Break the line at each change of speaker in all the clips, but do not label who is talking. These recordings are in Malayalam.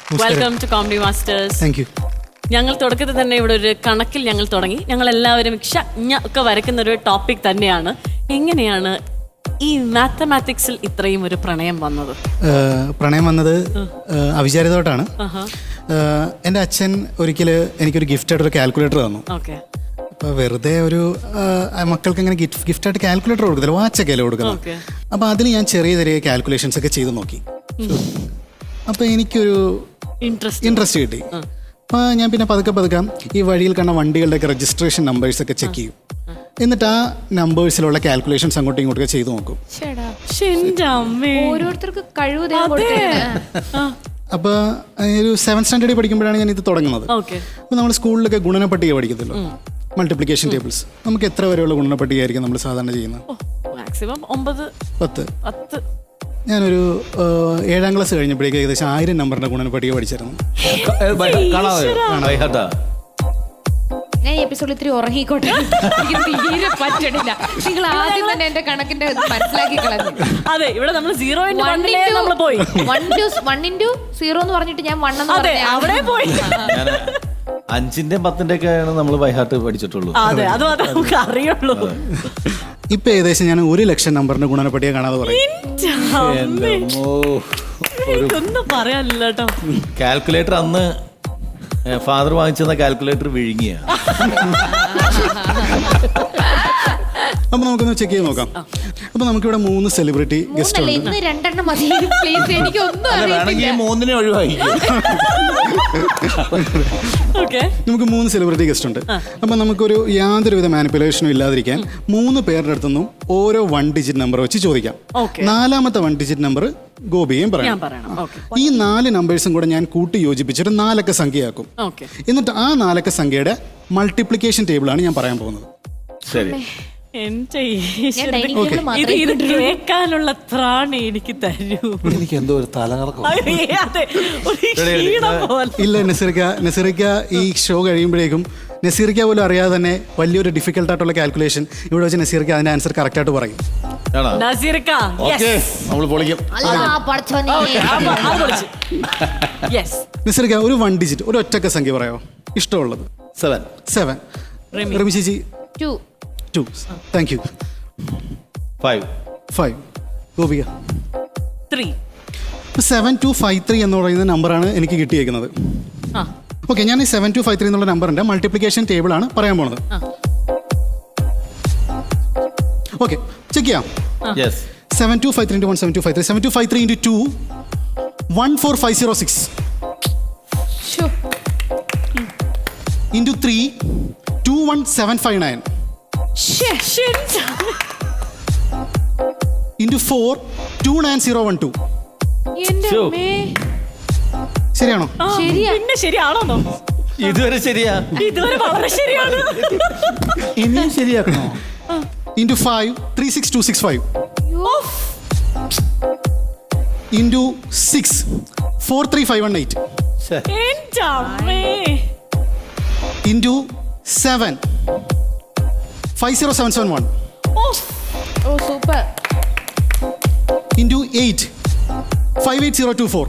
Welcome to comedy masters.
Thank you.
ഞങ്ങൾ തുടക്കത്തിൽ തന്നെ ഇവിടെ ഒരു കണക്കിൽ ഞങ്ങൾ തുടങ്ങി. ഞങ്ങൾ എല്ലാവരും ഒക്കെ വരയ്ക്കുന്ന ഒരു ടോപ്പിക് തന്നെയാണ്. എങ്ങനെയാണ് ഈ മാത്തമാറ്റിക്സിൽ ഇത്രയും ഒരു പ്രണയം വന്നത്?
പ്രണയം വന്നത് അവിചാരിതമായിട്ടാണ്. എൻ്റെ അച്ഛൻ ഒരിക്കൽ എനിക്കൊരു ഗിഫ്റ്റായിട്ടൊരു കാൽക്കുലേറ്റർ തന്നു.
ഓക്കെ.
അപ്പോൾ വെറുതെ ഒരു മക്കൾക്ക് ഇങ്ങനെ ഗിഫ്റ്റായിട്ട് കാൽക്കുലേറ്റർ കൊടുക്കത്തില്ല, വാച്ചൊക്കെ അല്ലേ കൊടുക്കുന്നത്. അപ്പോൾ അതിൽ ഞാൻ ചെറിയ ചെറിയ കാൽക്കുലേഷൻസ് ഒക്കെ ചെയ്ത് നോക്കി. അപ്പോൾ എനിക്കൊരു ഇൻട്രസ്റ്റ് കിട്ടി. അപ്പോൾ ഞാൻ പിന്നെ പതുക്കെ ഈ വഴിയിൽ കാണുന്ന വണ്ടികളുടെയൊക്കെ രജിസ്ട്രേഷൻ നമ്പേഴ്സൊക്കെ ചെക്ക് ചെയ്യും. എന്നിട്ട് ആ നമ്പേഴ്സിലുള്ള കാൽക്കുലേഷൻസ് അങ്ങോട്ടും ഇങ്ങോട്ടൊക്കെ ചെയ്ത് നോക്കും.
ഓരോരുത്തർക്ക് കഴിവ്.
അപ്പോൾ ഒരു 7th സ്റ്റാൻഡേർഡിൽ പഠിക്കുമ്പോഴാണ് ഞാൻ ഇത് തുടങ്ങുന്നത്. അപ്പോൾ നമ്മൾ സ്കൂളിലൊക്കെ ഗുണനപ്പട്ടിക പഠിക്കത്തില്ലോ, മൾട്ടിപ്ലിക്കേഷൻ ടേബിൾസ്. നമുക്ക് എത്ര വരെയുള്ള ഗുണനപ്പട്ടികയായിരിക്കും നമ്മൾ സാധാരണ ചെയ്യുന്നത്?
മാക്സിമം 9, 10.
ഞാനൊരു 7ാം ക്ലാസ് കഴിഞ്ഞപ്പോഴേക്കും ഏകദേശം 1000 നമ്പറിന്റെ ഗുണനപ്പട്ടിക പഠിച്ചിരുന്നു.
ഞാൻ ഈ എപ്പിസോഡിൽ ഇത്തിരി ഉറങ്ങിക്കോട്ടെ, എനിക്ക് തീരെ പറ്റണില്ല. നിങ്ങൾ ആദ്യം തന്നെ എന്റെ കണക്കിന്റെ മനസ്സിലാക്കി കളഞ്ഞു.
അതെ, ഇവിടെ നമ്മൾ 0 നമ്മൾ പോയി
1 into 0 എന്ന് പറഞ്ഞിട്ട് ഞാൻ 1 എന്ന് പറഞ്ഞു
അവിടെ പോയി.
5ന്റെയും 10ന്റെയും ആണ് നമ്മൾ ബൈഹാർട്ട് പഠിച്ചിട്ടുള്ളൂ.
അതെ, അത് മാത്രമേ നമുക്ക് അറിയുള്ളൂ.
ഇപ്പൊ ഏകദേശം ഞാൻ 1,00,000 നമ്പറിന്റെ ഗുണനപ്പട്ടിക കാണാതെ പറയും.
ഒന്നും പറയാനില്ല കേട്ടോ.
കാൽക്കുലേറ്റർ അന്ന് ഫാദർ വാങ്ങിച്ചെന്ന കാൽക്കുലേറ്റർ വിഴുങ്ങിയ.
അപ്പൊ നമുക്കൊന്ന് ചെക്ക് ചെയ്ത് നോക്കാം. അപ്പൊ നമുക്കിവിടെ 3 സെലിബ്രിറ്റി ഗസ്റ്റ് ഉണ്ട്.
ഇന്ന് 2 മതി പ്ലീസ്, എനിക്ക് ഒന്നും അറിയില്ല.
3 ഒഴിവായി.
നമുക്ക് 3 സെലിബ്രിറ്റി ഗസ്റ്റ് ഉണ്ട്. അപ്പൊ നമുക്കൊരു യാതൊരുവിധ മാനിപ്പുലേഷനും ഇല്ലാതിരിക്കാൻ 3 പേരുടെ അടുത്തൊന്നും ഓരോ 1 ഡിജിറ്റ് നമ്പർ വെച്ച് ചോദിക്കാം. 4ാമത്തെ 1 ഡിജിറ്റ് നമ്പർ ഗോപിയും പറയാം. ഈ 4 നമ്പേഴ്സും കൂടെ ഞാൻ കൂട്ടി യോജിപ്പിച്ചൊരു 4 അക്ക സംഖ്യയാക്കും. എന്നിട്ട് ആ 4 അക്ക സംഖ്യയുടെ മൾട്ടിപ്ലിക്കേഷൻ ടേബിളാണ് ഞാൻ പറയാൻ പോകുന്നത്.
ശരി.
ഇത് കേൾക്കാനുള്ള ത്രാണി എനിക്ക് തരൂ.
എനിക്ക് എന്തോ ഒരു തലകറക്കം.
ഇല്ല നസീറിക്ക ഈ ഷോ കഴിയുമ്പോഴേക്കും നസീറിക്ക പോലും അറിയാതെ തന്നെ വലിയൊരു ഡിഫിക്കൽട്ടായിട്ടുള്ള കാൽക്കുലേഷൻ ഇവിടെ വെച്ച് നസീറിക്ക അതിന്റെ ആൻസർ കറക്റ്റ് ആയിട്ട് പറയും. നസീറിക്ക ഒരു 1 ഡിജിറ്റ് ഒരു ഒറ്റക്ക സംഖ്യ പറയാമോ? ഇഷ്ടമുള്ളത്. 7. റിമി ചേച്ചി 2. Thank you. 5. ഗോപിക
3.
7253 എന്ന് പറയുന്ന നമ്പറാണ് എനിക്ക് കിട്ടിയേക്കുന്നത്. ഓക്കെ, ഞാൻ ഈ 7253 എന്നുള്ള നമ്പറിന്റെ മൾട്ടിപ്ലിക്കേഷൻ ടേബിൾ ആണ് പറയാൻ പോണത്. ഓക്കെ, ചെക്ക് ചെയ്യാം. 7253 into 1 7253 7253 into 2 14506 into 3 21759 into 4 29012. ശരിയാണോ?
പിന്നെ ശരിയാണോ?
ഇതുവരെ ശരിയാ.
ഇതുവരെ വളരെ ശരിയാണ്.
ഇനിയും ശരിയാക്കണോ?
into 5 36265 into 6 43518 into 7 50771
super
into 8 58024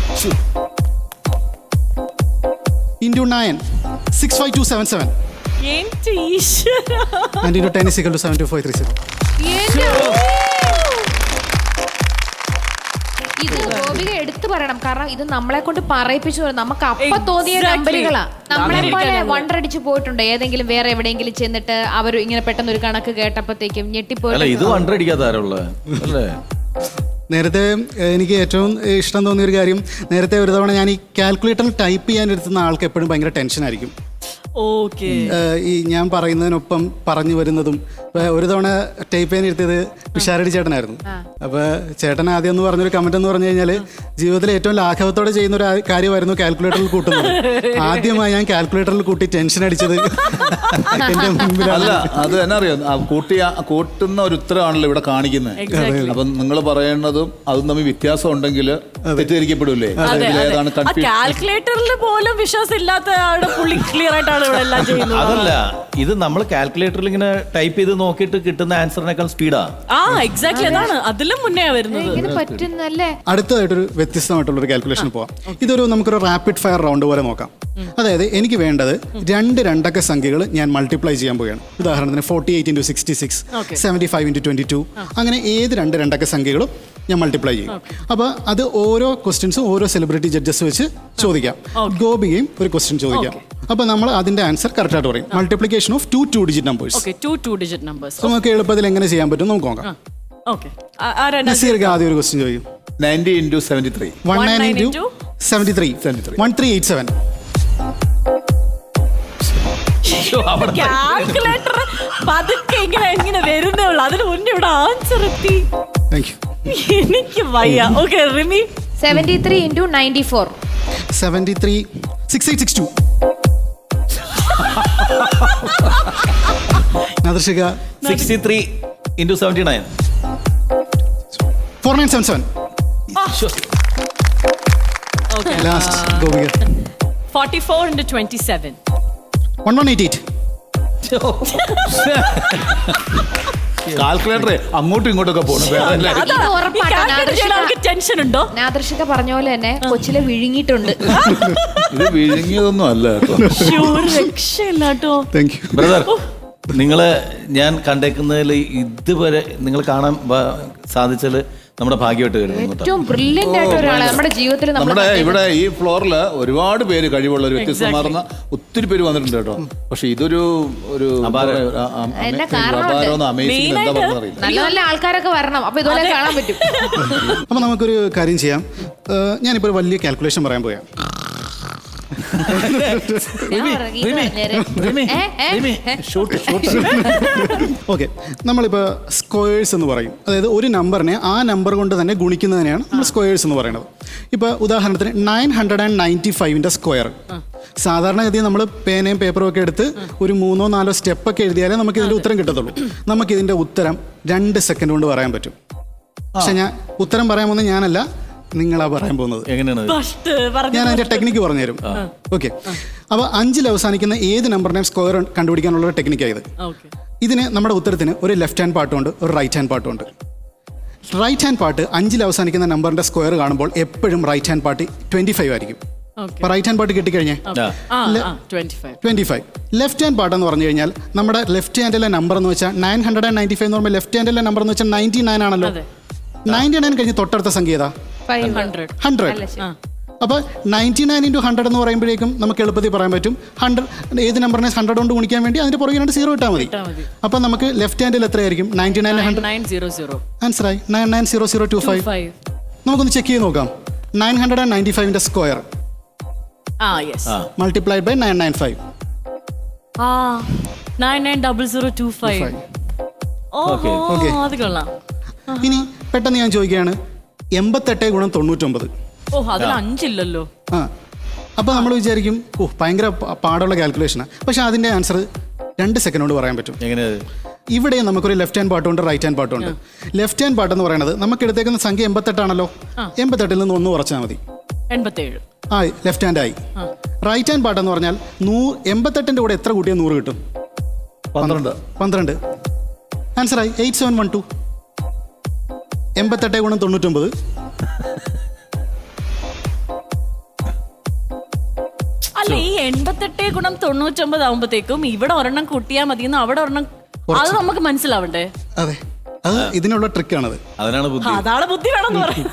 into 9 65277 and into 10 is equal to 72530.
ഇത് ഗോപിക എടുത്തു പറയണം, കാരണം ഇത് നമ്മളെ കൊണ്ട് പറയിപ്പിച്ചു. നമുക്ക് അപ്പൊ തോന്നിയ നമ്പറുകളാ. നമ്മളെ പോലെ വണ്ടടിച്ചു പോയിട്ടുണ്ട് ഏതെങ്കിലും വേറെ എവിടെയെങ്കിലും ചെന്നിട്ട് അവർ ഇങ്ങനെ പെട്ടെന്ന് ഒരു കണക്ക് കേട്ടപ്പോഴത്തേക്കും ഞെട്ടിപ്പോയി.
ഇത് വണ്ടടിക്കാത്താരുള്ള അല്ലേ?
നേരത്തെ എനിക്ക് ഏറ്റവും ഇഷ്ടം തോന്നിയൊരു കാര്യം, നേരത്തെ ഒരു തവണ ഞാൻ ഈ കാൽക്കുലേറ്ററിൽ ടൈപ്പ് ചെയ്യാൻ എടുത്തുന്ന ആൾക്ക് എപ്പോഴും ഭയങ്കര ടെൻഷനായിരിക്കും. ഈ ഞാൻ പറയുന്നതിനൊപ്പം പറഞ്ഞു വരുന്നതും. ഒരു തവണ ടൈപ്പ് ചെയ്യാൻ ഇരുത്തിയത് വിശാരടി ചേട്ടനായിരുന്നു. അപ്പോൾ ചേട്ടൻ ആദ്യം എന്ന് പറഞ്ഞൊരു കമന്റ് എന്ന് പറഞ്ഞു കഴിഞ്ഞാൽ ജീവിതത്തിൽ ഏറ്റവും ലാഘവത്തോടെ ചെയ്യുന്ന ഒരു കാര്യമായിരുന്നു കാൽക്കുലേറ്ററിൽ കൂട്ടുന്നത്. ആദ്യമായി ഞാൻ കാൽക്കുലേറ്ററിൽ കൂട്ടി ടെൻഷൻ അടിച്ചത് എന്റെ മുമ്പിലല്ല.
അത് തന്നെ അറിയാം, കൂട്ടുന്ന ഒരു ഉത്തരവാണല്ലോ ഇവിടെ കാണിക്കുന്നത്. അപ്പം നിങ്ങൾ പറയുന്നതും അതും തമ്മിൽ വ്യത്യാസം ഉണ്ടെങ്കിൽ തെറ്റിദ്ധരിക്കപ്പെടില്ലേ?
കാൽക്കുലേറ്ററിൽ പോലും വിശ്വാസം ഇല്ലാത്ത ആളുടെ പുള്ളി ക്ലിയർ ആയിട്ടാണ് തന്നെയാണ് ഇവിടെ എല്ലാം ചെയ്യുന്നത്.
അതല്ല, ഇത് നമ്മൾ കാൽക്കുലേറ്ററിൽ ഇങ്ങനെ ടൈപ്പ് ചെയ്ത് നോക്കിയിട്ട് കിട്ടുന്ന ആൻസറിനേക്കാൾ സ്പീഡാ.
ആ എക്സാക്ട്ലി, അതാണ് അതിലും മുന്നേ വരുന്നത്.
ഇങ്ങനെ പറ്റുന്നല്ലേ?
അടുത്തതായിട്ടൊരു വ്യത്യസ്തമായിട്ടുള്ളൊരു കാൽക്കുലേഷൻ പോവാം. ഇതൊരു നമുക്കൊരു റാപ്പിഡ് ഫയർ റൗണ്ട് പോലെ നോക്കാം. അതായത് എനിക്ക് വേണ്ടത് 2 രണ്ടക്ക സംഖ്യകൾ ഞാൻ മൾട്ടിപ്ലൈ ചെയ്യാൻ പോവുകയാണ്. ഉദാഹരണത്തിന് 48 × 66, 75 × 22, അങ്ങനെ ഏത് 2 രണ്ടക്ക സംഖ്യകളും ഞാൻ മൾട്ടിപ്ലൈ ചെയ്യും. അപ്പോൾ അത് ഓരോ ക്വസ്റ്റ്യൻസും ഓരോ സെലിബ്രിറ്റി ജഡ്ജസ് വെച്ച് ചോദിക്കാം. ഗോപികയും ഒരു ക്വസ്റ്റ്യൻ ചോദിക്കാം. അപ്പോൾ നമ്മൾ അതിന്റെ ആൻസർ കറക്റ്റ് ആയിട്ട് പറയും. Multiplication of 2 digit numbers.
Okay, 2 digit numbers.
നമുക്ക് എളുപ്പത്തിൽ എങ്ങനെ ചെയ്യാൻ പറ്റും നമുക്ക് നോക്കാം.
ഓക്കേ,
നസീർക്ക് ആദ്യം ഒരു ക്വസ്റ്റ്യൻ ചോദിക്കും.
90 × 73.
19 × 73. 1387.
കാൽക്കുലേറ്റർ പതുക്കെ ഇങ്ങനെ വരുന്നേ ഉള്ളൂ. അതിന് മുന്നേ ഇവിടെ ആൻസർ എത്തി.
Thank you.
എനിക്ക് വയ്യ. Okay Rimi.
73 × 94.
73 6862. Nadarshika
63 × 79.
4977.
Okay,
last Gopika
44 × 27.
1188.
കാൽക്കുലേറ്ററെ അങ്ങോട്ടും ഇങ്ങോട്ടൊക്കെ പോകണം.
ഇത് ഉറപ്പാണ്.
ടെൻഷൻ ഉണ്ടോ?
നാദർഷിക പറഞ്ഞ പോലെ തന്നെ കൊച്ചിലെ വിഴുങ്ങിയിട്ടുണ്ട്.
ഇത് വിഴുങ്ങിയതൊന്നും അല്ല കേട്ടോ.
രക്ഷയില്ല കേട്ടോ.
Thank you.
ബ്രദർ, നിങ്ങളെ ഞാൻ കണ്ടേക്കുന്നതിൽ ഇതുവരെ നിങ്ങൾ കാണാൻ സാധിച്ചാൽ നമ്മുടെ ഭാഗ്യമായിട്ട് വരുന്നു.
ഏറ്റവും ബ്രില്യന്റ് ആയിട്ട് ഒരാളെ നമ്മുടെ ജീവിതത്തിൽ
നമ്മുടെ ഇവിടെ ഈ ഫ്ലോറിൽ ഒരുപാട് പേര് കഴിവുള്ള ഒരു വ്യത്യസ്തമാർന്ന ഒത്തിരി പേര് വന്നിട്ടുണ്ട് കേട്ടോ. പക്ഷെ ഇതൊരു
എന്നെ കാരണം
അമേസിംഗ് എന്താ പറഞ്ഞറിയില്ല.
നല്ല നല്ല ആൾക്കാരൊക്കെ വരണം. അപ്പൊ ഇതുപോലെ കാണാൻ പറ്റും.
അപ്പോൾ നമുക്കൊരു കാര്യം ചെയ്യാം. ഞാനിപ്പോൾ ഒരു വലിയ കാൽക്കുലേഷൻ പറയാൻ പോയാ. ഓക്കെ, നമ്മളിപ്പോൾ സ്ക്വയേഴ്സ് എന്ന് പറയും. അതായത് ഒരു നമ്പറിനെ ആ നമ്പർ കൊണ്ട് തന്നെ ഗുണിക്കുന്നതിനെയാണ് നമ്മൾ സ്ക്വയേഴ്സ് എന്ന് പറയുന്നത്. ഇപ്പോൾ ഉദാഹരണത്തിന് 995 സ്ക്വയർ. സാധാരണഗതിയിൽ നമ്മൾ പേനയും പേപ്പറും ഒക്കെ എടുത്ത് ഒരു 3-4 സ്റ്റെപ്പൊക്കെ എഴുതിയാലേ നമുക്ക് ഇതിൻ്റെ ഉത്തരം കിട്ടത്തുള്ളൂ. നമുക്കിതിൻ്റെ ഉത്തരം 2 സെക്കൻഡ് കൊണ്ട് പറയാൻ പറ്റും. പക്ഷെ ഞാൻ ഉത്തരം പറയാൻ പോകുന്നത് ഞാനല്ല, നിങ്ങളാ പറയാൻ പോകുന്നത്.
എങ്ങനെയാണ്?
ഞാൻ അതിന്റെ ടെക്നിക്ക് പറഞ്ഞുതരും. ഓക്കെ, അപ്പോൾ 5-ൽ അവസാനിക്കുന്ന ഏത് നമ്പറിനെയും സ്ക്വയർ കണ്ടുപിടിക്കാനുള്ള ഒരു ടെക്നിക്കായത്. ഇതിന് നമ്മുടെ ഉത്തരത്തിന് ഒരു ലെഫ്റ്റ് ഹാൻഡ് പാർട്ടുണ്ട്, ഒരു റൈറ്റ് ഹാൻഡ് പാർട്ടുണ്ട്. റൈറ്റ് ഹാൻഡ് പാർട്ട് 5-ൽ അവസാനിക്കുന്ന നമ്പറിന്റെ സ്ക്വയർ കാണുമ്പോൾ എപ്പോഴും റൈറ്റ് ഹാൻഡ് പാർട്ട് 25 ആയിരിക്കും. അപ്പോൾ റൈറ്റ് ഹാൻഡ് പാർട്ട് കിട്ടിക്കഴിഞ്ഞാൽ 25. ലെഫ്റ്റ് ഹാൻഡ് പാർട്ട് എന്ന് പറഞ്ഞു കഴിഞ്ഞാൽ നമ്മുടെ ലെഫ്റ്റ് ഹാൻഡിലെ നമ്പർ എന്ന് വെച്ചാൽ 995 എന്ന് പറയുമ്പോൾ ലെഫ്റ്റ് ഹാൻഡിലെ നമ്പർ എന്ന് വെച്ചാൽ 99 ആണല്ലോ. 99 കഴിഞ്ഞ് തൊട്ടടുത്ത സംഖ്യ ഏതാ? 100. അപ്പോൾ 99 × 100 എന്ന് പറയുമ്പോഴേക്കും നമുക്ക് എളുപ്പത്തിൽ പറയാൻ പറ്റും 100. ഏത് നമ്പറിനെ 100 കൊണ്ട് ഗുണിക്കാൻ വേണ്ടി അതിന്റെ പുറകെ 0 ഇട്ടാൽ മതി. അപ്പോൾ നമുക്ക് ലെഫ്റ്റ് ഹാൻഡിൽ എത്രയായിരിക്കും? 99 ആൻസറായി 990025. നമുക്കൊന്ന് ചെക്ക് ചെയ്ത് നോക്കാം. 995 സ്ക്വയർ മൾട്ടിപ്ലൈഡ് ബൈ 995.
990025. ഓഹോ, അത് കൊള്ളാം.
ഇനി പെട്ടെന്ന് ഞാൻ ചോദിക്കുകയാണ്, 88 × 99.
ഓ, അതിൽ 5 ഇല്ലല്ലോ.
അപ്പോൾ നമ്മൾ വിചാരിക്കും ഭയങ്കര പാടുള്ള കാൽക്കുലേഷനാണ്. പക്ഷെ അതിൻ്റെ ആൻസർ 2 സെക്കൻഡ് കൊണ്ട് പറയാൻ പറ്റും.
എങ്ങനെയത്?
ഇവിടെ നമുക്കൊരു ലെഫ്റ്റ് ഹാൻഡ് പാർട്ടുണ്ട്, റൈറ്റ് ഹാൻഡ് പാർട്ടുണ്ട്. ലെഫ്റ്റ് ഹാൻഡ് പാർട്ട് എന്ന് പറയുന്നത് നമുക്ക് എടുത്തേക്കുന്ന സംഖ്യ 88 ആണല്ലോ. 88-ൽ നിന്ന് 1 കുറച്ചാൽ മതി.
87
ആയി, ലെഫ്റ്റ് ഹാൻഡ് ആയി. റൈറ്റ് ഹാൻഡ് പാർട്ട് എന്ന് പറഞ്ഞാൽ 88-ന്റെ കൂടെ എത്ര കൂട്ടിയാൽ 100 കിട്ടും? 12. ആൻസറായി 8712. 88 × 99.
അല്ല, ഈ 88 × 99 ആകുമ്പോഴത്തേക്കും ഇവിടെ ഒരെണ്ണം കൂട്ടിയാൽ മതിയെന്ന് അവിടെ ഒരെണ്ണം, അത് നമുക്ക് മനസ്സിലാവണ്ടേ?
അതെ, അത് ഇതിനുള്ള ട്രിക്കാണത്.
അതിനാണ് ബുദ്ധി.
അതാണ് ബുദ്ധി വേണമെന്ന് പറയും.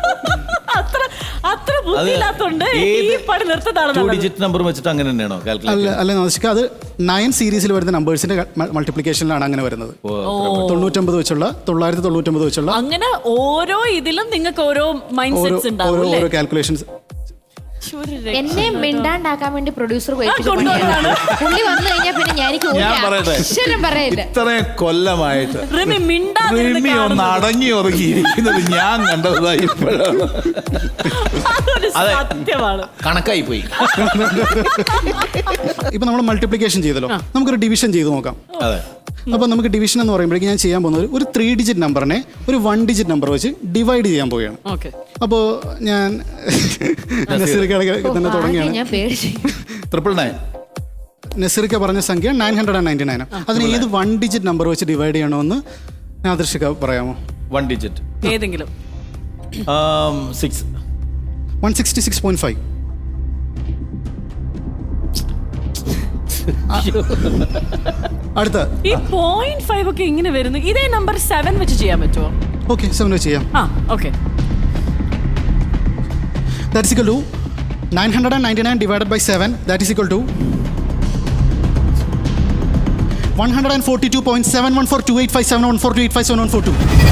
അത്ര ബുദ്ധിയില്ലാത്തോണ്ട് ഈ പണി നിർത്തതാണ്.
2 ഡിജിറ്റ് നമ്പർ വെച്ചിട്ട് അങ്ങനെ തന്നെയാണോ കാൽക്കുലേറ്റ്?
അല്ല നാദിഷ്ക, അത് 9 സീരീസിൽ വരുന്ന നമ്പേഴ്സിന്റെ മൾട്ടിപ്ലിക്കേഷനിലാണ് അങ്ങനെ വരുന്നത്. 99 വെച്ചുള്ള 999 വെച്ചുള്ള
അങ്ങനെ ഓരോ ഇതിലും നിങ്ങൾക്ക് ഓരോ മൈൻഡ് സെറ്റ്സ് ഉണ്ടാവും.
ഓരോ കാൽക്കുലേഷൻസ്.
എന്നെ മിണ്ടാണ്ടാക്കാൻ വേണ്ടി പ്രൊഡ്യൂസർ പുള്ളി വന്നു കഴിഞ്ഞാൽ പിന്നെ
ഞാൻ പറയട്ടെ, ഇത്രയും കൊല്ലമായിട്ട് റിമി ഒന്ന് അടങ്ങി ഒതുങ്ങിയിരിക്കുന്നത് ഞാൻ കണ്ടതായി ഇപ്പോഴാണ്.
സത്യമാണ്,
കണക്കായി പോയി.
ഇപ്പൊ നമ്മൾ മൾട്ടിപ്ലിക്കേഷൻ ചെയ്തല്ലോ, നമുക്കൊരു ഡിവിഷൻ ചെയ്ത് നോക്കാം.
അതെ.
അപ്പോൾ നമുക്ക് ഡിവിഷൻ എന്ന് പറയുമ്പോഴേക്കും ഞാൻ ചെയ്യാൻ പോകുന്നത് ഒരു 3 ഡിജിറ്റ് നമ്പറിനെ ഒരു 1 ഡിജിറ്റ് നമ്പർ വെച്ച് ഡിവൈഡ് ചെയ്യാൻ പോവുകയാണ്. അപ്പോൾ ഞാൻ തന്നെ തുടങ്ങിയാണ്.
999.
നസീർക്ക പറഞ്ഞ സംഖ്യ 999. അതിന് ഏത് 1 ഡിജിറ്റ് നമ്പർ വെച്ച് ഡിവൈഡ് ചെയ്യണമെന്ന് നാദർഷിക പറയാമോ?
1 ഡിജിറ്റ്.
ഏതെങ്കിലും
6.
166.5. അടുത്ത
ഈ 0.5 ഒക്കെ ഇങ്ങനെ വരുന്നു. ഇതേ നമ്പർ 7 വെച്ച് ചെയ്യാൻ പറ്റുമോ?
ഓക്കെ 7 വെച്ച് ചെയ്യാം.
Okay.
That is equal to 999 divided by 7. That is equal to 142.71428571428571442.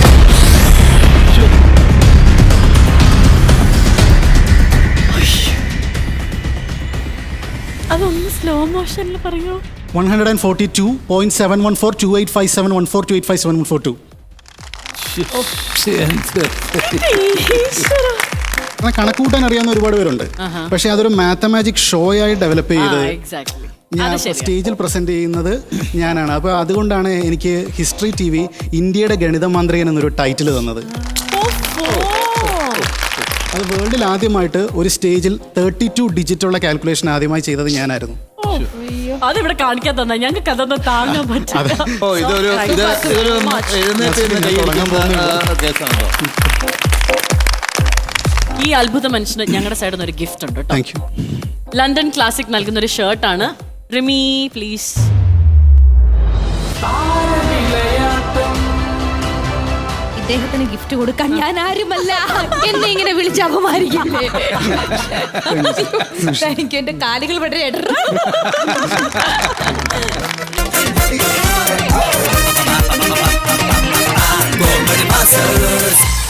അതൊന്ന് സ്ലോ മോഷനിൽ പറയോ?
142.71428571428571442. അങ്ങനെ കണക്ക് കൂട്ടാൻ അറിയാവുന്ന ഒരുപാട് പേരുണ്ട്. പക്ഷെ അതൊരു മാത്തമാറ്റിക് ഷോ ആയി ഡെവലപ്പ് ചെയ്ത്
എക്സാക്ട്ലി.
ഞാൻ സ്റ്റേജിൽ പ്രസന്റ് ചെയ്യുന്നത് ഞാനാണ്. അപ്പോൾ അതുകൊണ്ടാണ് എനിക്ക് ഹിസ്റ്ററി TV ഇന്ത്യയുടെ ഗണിത മാന്ത്രികൻ എന്നൊരു ടൈറ്റിൽ തന്നത്. അത് വേൾഡിൽ ആദ്യമായിട്ട് ഒരു സ്റ്റേജിൽ 32 ഡിജിറ്റുള്ള കാൽക്കുലേഷൻ ആദ്യമായി ചെയ്തത് ഞാനായിരുന്നു.
അതിവിടെ കാണിക്കാൻ തന്നെ ഞങ്ങൾക്ക് അതൊന്നും താങ്ങാൻ പറ്റില്ല.
ഇതൊരു എഴുന്നേറ്റ് കേസാണോ?
ഈ അത്ഭുത മനുഷ്യന് ഞങ്ങളുടെ സൈഡിൽ നിന്ന് ഒരു ഗിഫ്റ്റ് ഉണ്ട് കേട്ടോ.
Thank you.
ലണ്ടൻ ക്ലാസിക് നൽകുന്ന ഒരു ഷർട്ടാണ്. റിമി പ്ലീസ്.
ഇദ്ദേഹത്തിന് ഗിഫ്റ്റ് കൊടുക്കാൻ ഞാൻ ആരുമല്ല. എന്നെ ഇങ്ങനെ വിളിച്ച് അപമാനിക്കില്ലേ? എനിക്ക് എന്റെ കാലുകൾ വളരെ ഇടറ.